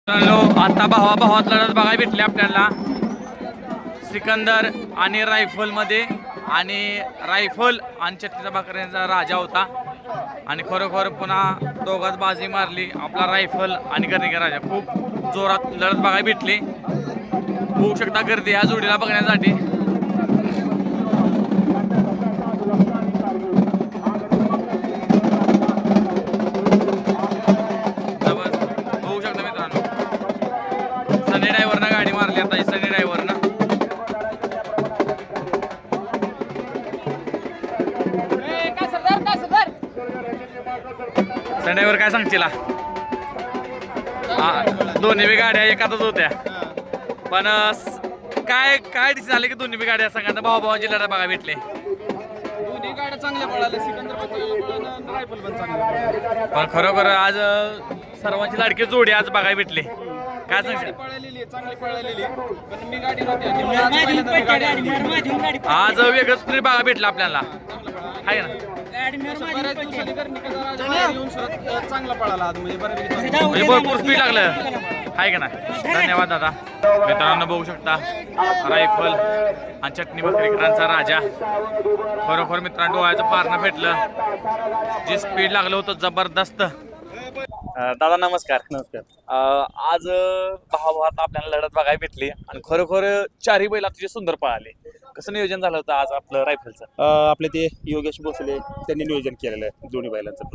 आता भावात लढत बघायला भेटले आपल्याला सिकंदर आणि रायफल मध्ये आणि रायफल आणि छत्तीचा भाकऱ्यांचा राजा होता आणि खरोखर पुन्हा दोघात बाजी मारली आपला रायफल आणि गर्णिका राजा खूप जोरात लढत बघायला भेटली होऊ शकता गर्दी या जोडीला बघण्यासाठी होऊ शकता मित्रांनो सनी ड्रायव्हरनं गाडी मारली आता सनी ड्रायव्हरनं ड्रायव्हर काय सांगशील दोन्ही बी गाड्या एकातच होत्या पण काय काय डिसिजन झाले की दोन्ही बी गाड्या सांगा भावाची लढा बघा भेटले दोन्ही गाड्या चांगल्या पळाल्या सिकंदर पण रायफल पण चांगल्या पण खरोखर आज सर्वांची लाडकी जोडी आज बघायला भेटले काय सांगशील पळालेली चांगली पळालेली पण मी गाडी नव्हती आज वेगळंच तरी बघा भेटलं आपल्याला आहे ना बऱ्याच दिवसांनी येऊन चांगला पळाला आज म्हणजे म्हणजे भरपूर स्पीड लागलं आहे का नाही धन्यवाद दादा मित्रांनो बघू शकता रायफल आणि चटणी भाकरीकरांचा राजा खरोखर मित्रांनो डोळ्याचं पारणं भेटलं जे स्पीड लागलं होतं जबरदस्त दादा नमस्कार आज भावात आपल्याला लढत बघायला भेटली आणि खरोखर चारही बैल तुझे सुंदर पळाले कसं नियोजन झालं होतं आज आपलं रायफलचं आपले ते योगेश भोसले त्यांनी नियोजन केलेलं आहे दोन्ही बैलांचं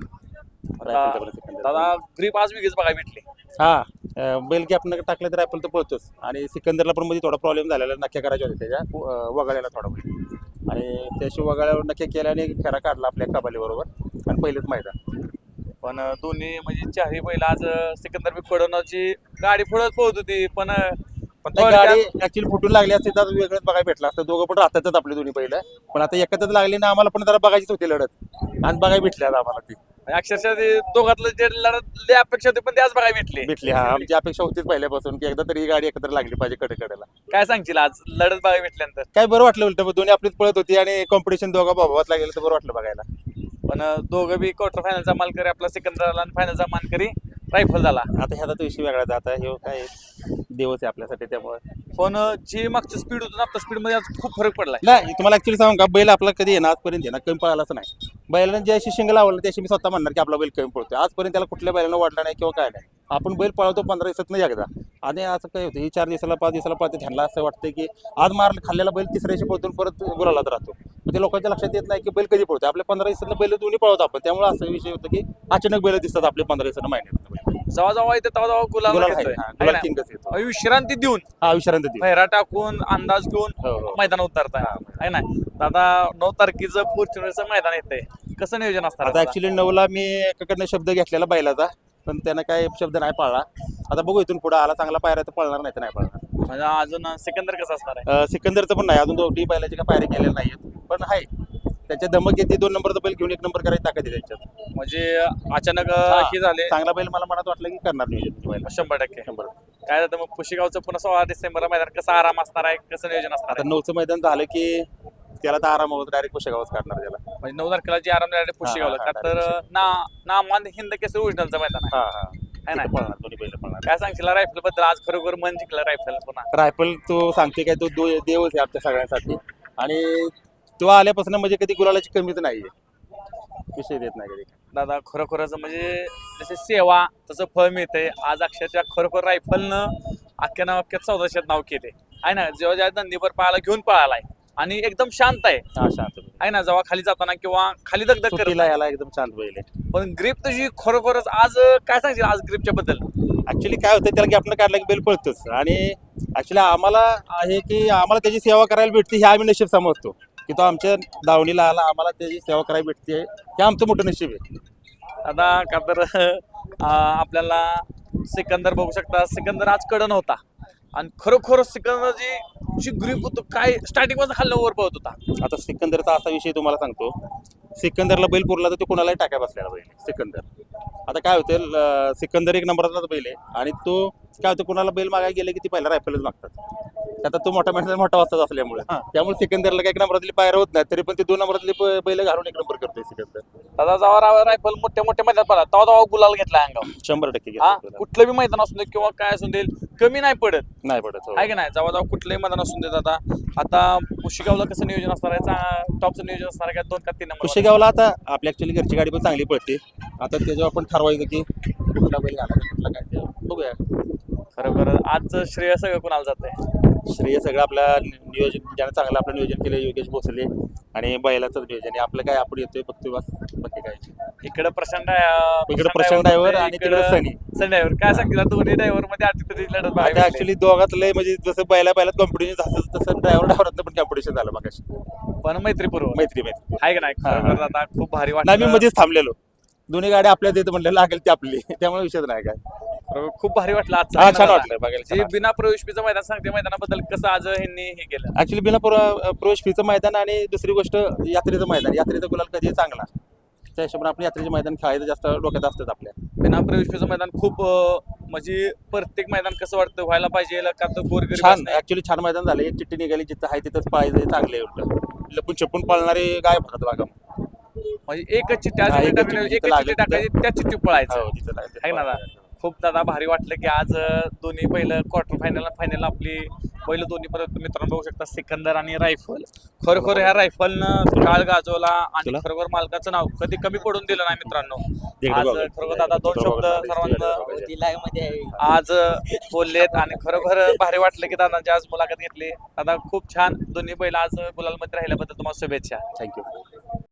पण दादा ग्रीप आज वेगळीच बघायला भेटली हा बैल की आपण टाकलं तर रायफल तर पळतोच आणि सिकंदरला पण मध्ये थोडा प्रॉब्लेम झालेला नक्या करायच्या होत्या त्याच्या वगाळ्याला थोडा बैल आणि त्याशी वगाळ्यावर नक्की केल्याने फेरा काढला आपल्या कबाली बरोबर आणि पहिलेच मैदान पण दोन्ही म्हणजे चारही बैल आज सिकंदर कडवण्याची गाडी पुढे पोहत होती पण गाडी ऍक्च्युअली फुटून लागली असते तर वेगळंच बघायला भेटला असतं दोघं पण राहतातच आपले दोन्ही पहिलं पण आता एकत्रच लागली ना आम्हाला पण जरा बघायचीच होती लढत आणि बघायला भेटली आता आम्हाला ती अक्षरशः ते दोघातलं जे लढत अपेक्षा होती पण त्याच बघायला भेटली हा आमची अपेक्षा होतीच पहिल्यापासून की एकदा तरी ही गाडी एकत्र लागली पाहिजे कडेकडेला काय सांगशील आज लढत बघायला भेटल्यानंतर काय बरं वाटलं उलट दोन्ही आपलीच पळत होती आणि कॉम्पिटिशन दोघा भावात लागेल तर बरं वाटलं बघायला पण दोघं बी क्वार्टर फायनलचा मानकरी आपला सिकंदर आणि फायनलचा मानकरी रायफल झाला आता ह्याचा तो विषय वेगळा आता हे काय देवच आहे आपल्यासाठी त्यामुळे पण जी मागची स्पीड होती ना आता स्पीड मध्ये आज खूप फरक पडलाय नाही तुम्हाला ऍक्च्युली सांगू का बैल आपला कधी येणार आजपर्यंत येणार कमी पळालाच नाही बैलानं ज्याशी शिंगल आवडलं त्याशी मी स्वतः म्हणणार की आपला बैल कमी पळतो आजपर्यंत त्याला कुठल्या बैलानं वाढला नाही किंवा काय नाही आपण बैल पळवतो 15 दिवसात नाही एकदा आणि असं काय होतं ही 4 दिवसाला 5 दिवसाला पळते ध्यानला असं वाटतं की आज खाल्लेला बैल तिसऱ्याशी पळतून परत गुलालात राहतो मग ते लोकांच्या लक्षात येत नाही की बैल कधी पळतो आपल्या 15 दिवसात बैल दोन्ही पळवतो आपण त्यामुळे असा विषय होतो की अचानक बैल दिसतात आपले 15 दिवसानं महिन्यात जेव्हा येते तेव्हा गुलाल विश्रांती देऊन विश्रांती फेरा टाकून अंदाज घेऊन मैदान उतरताय आहे ना दादा 9 तारखेचं फॉर्च्युनरचं मैदान येतंय कसं नियोजन असतं आता ऍक्च्युली 9ला मी एकाकडनं शब्द घेतलेला बैलाचा पण त्यानं काय शब्द नाही पाळला आता बघू इथून पुढे आला चांगला पायरा तर पळणार नाही तर नाही पळणार म्हणजे अजून सिकंदर कसं असणार आहे सिकंदरचं पण नाही अजून दोन्ही बैलाचे काय पायरे केलेले नाहीत पण आहे त्याच्या धमक येते 2 नंबरचा बैल घेऊन 1 नंबर करायची ताकद आहे त्यांच्यात म्हणजे अचानक हे झाले चांगला बैल मला मनात वाटलं की करणार नियोजन 100% काय जातं मग पुशेगावचं पुन्हा 16 डिसेंबरला मैदान कसं आराम असणार आहे कसं नियोजन असणार आहे 9चं मैदान झालं की त्याला तर आराम होत डायरेक्ट पुशेगावच काढणार त्याला म्हणजे 9 तारखेला जे आराम डायरेक्ट पुशेगावला का तर नामान हिंद केसरी ओरिजिनलचं मैदान आहे ना पळणार दोन्ही बैल पळणार काय सांगशील रायफल बद्दल आज खरोखर मन जिंकलं रायफल पुन्हा रायफल तो सांगते काय तो देवच आहे आमच्या सगळ्यांसाठी आणि तो आल्यापासून म्हणजे कधी गुलालाची कमीच नाहीये विषय देत नाही कधी दादा खरोखरच म्हणजे जसे सेवा तसं फळ मिळतंय आज अक्षरशः खरोखर रायफलनं अख्ख्या चौदाशात नाव केले आहे ना जेव्हा ज्या नंदीवर पळाला घेऊन पळालाय आणि एकदम शांत आहे शांत आहे ना जेव्हा खाली जाताना किंवा खाली दगदग करला याला एकदम शांत बैल आहे पण ग्रीप तुझी खरोखरच आज काय सांगशील आज ग्रीपच्या बद्दल ऍक्च्युली काय होतं त्याला की आपण काढला की बैल पळतोच आणि ऍक्च्युली आम्हाला आहे की आम्हाला त्याची सेवा करायला भेटते हे आम्ही नशीब समजतो की तो आमच्या दावणीला आला आम्हाला त्याची सेवा करायला भेटते हे आमचं मोठं नशीब आहे आता का तर आपल्याला सिकंदर बघू शकता सिकंदर आज कडन होता आणि खरोखर सिकंदरची ग्रीप होतो काय स्टार्टिंग मध्ये खाल्लं वर पळत होता आता सिकंदरचा असा विषय तुम्हाला सांगतो सिकंदरला बैल पुरला तर तो कोणालाही टाकाय बसलेला बैल सिकंदर आता काय होतं सिकंदर 1 नंबरचा बैल आहे आणि तो काय होतं कुणाला बैल मागायला गेले की ती पहिला रायफलच मागतात. आता तो मोठा माणसा मोठा वाजताच असल्यामुळे त्यामुळे सिकंदरला काही एक नंबरातली पायऱ्या होत नाही, तरी पण ते 2 नंबरातली बैल घालून 1 नंबर करतोय सिकंदर. दादा जेव्हा रायफल मोठ्या मोठ्या मैदानात पडला तेव्हा गुलाल घेतला अंगावर. 100% हा घेतो. कुठलं बी मैदान असू दे किंवा काय असू दे कमी नाही पडत नाही पडत हो. आहे की नाही. जेव्हा कुठलंही मैदान असू दे दादा. आता पुशेगावला कसं नियोजन असणार आहे, टॉपचं नियोजन असणार आहे का 2 का 3 नंबर? कुशेगावला आता आपली ऍक्च्युअली घरची गाडी पण चांगली पडते. आता त्याच्यावर आपण ठरवायचं की कुठला बैल घालायचा कुठला काय ते बघूया. खरोखर आज श्रेय सगळं कोणाला जातंय? श्रेय सगळं आपल्या नियोजन ज्यानं चांगलं आपलं नियोजन केलं योगेश भोसले आणि बैलाचं नियोजन आहे. आपलं काय आपण येतोय फक्त बस बाकी काय. इकडे प्रशांत इकडे प्रशांत ड्रायव्हर आणि तिकडे सनी ड्रायव्हर. काय सांगितलं दोन्ही ड्रायव्हर मध्ये आठवडी लढत आता बघायला ऍक्च्युअली दोघात लय म्हणजे जसं बैलात कॉम्पिटिशन झालं तसं ड्रायव्हरात पण कॉम्पिटिशन झालं मगाशी. भेटली. पण मैत्रीपूर्व मैत्री आहे का नाही? खरोखर दादा खूप भारी नाही मी वाटलं. मध्येच थांबलेलो. दोन्ही गाड्या आपल्याच येतं म्हणलं लागेल ती आपली त्यामुळे विषयच नाही काय. खरोखर खूप भारी वाटलं हा आज. छान वाटलं बघायला छान जे वाटलं. बिना प्रवेशपीचं मैदान सांगते मैदानाबद्दल कसं आज ह्यांनी हे केलं. ऍक्च्युली बिना प्रवेश फीचं मैदान आणि दुसरी गोष्ट यात्रेचं मैदान. यात्रेचा गुलाल कधी चांगला त्या हिशोबाने आपण यात्रेचे मैदान खेळायचं जास्त डोक्यात असतात आपल्या. बिना प्रवेशपीचं मैदान खूप म्हणजे प्रत्येक मैदान कसं वाटतं व्हायला पाहिजे का तर गोरगरीब छान असणे. ऍक्च्युली छान मैदान झालं. एक चिठ्ठी निघाली जिथं आहे तिथंच पाहायचं चांगले लपून छपून पळणारे गायब होतात बघा. म्हणजे एकच चिठ्ठी हा, एकच चिठ्ठी एकच जिथं चिठ्ठी लागेल टाकायची त्या चिठ्ठी पळायचं हो, तिथं लागेल. आहे ना दादा. खूप दादा भारी वाटलं की आज दोन्ही पहिलं क्वार्टर फायनल आपली पहिलं दोन्ही परत मित्रांनो बघू शकता सिकंदर आणि रायफल. खरोखर ह्या रायफलनं काळ गाजवला आणि तुला? खरोखर मालकाचं नाव कधी कमी पडून दिलं नाही मित्रांनो. तिकडे आज बघा. खरोखर दादा 2 शब्द सर्वांना मध्ये आज बोललेत आणि खरोखर भारी वाटलं की दादांची आज मुलाखत घेतली. दादा खूप छान दोन्ही बैल आज गुलालमध्ये राहिल्याबद्दल तुम्हाला शुभेच्छा. थँक्यू.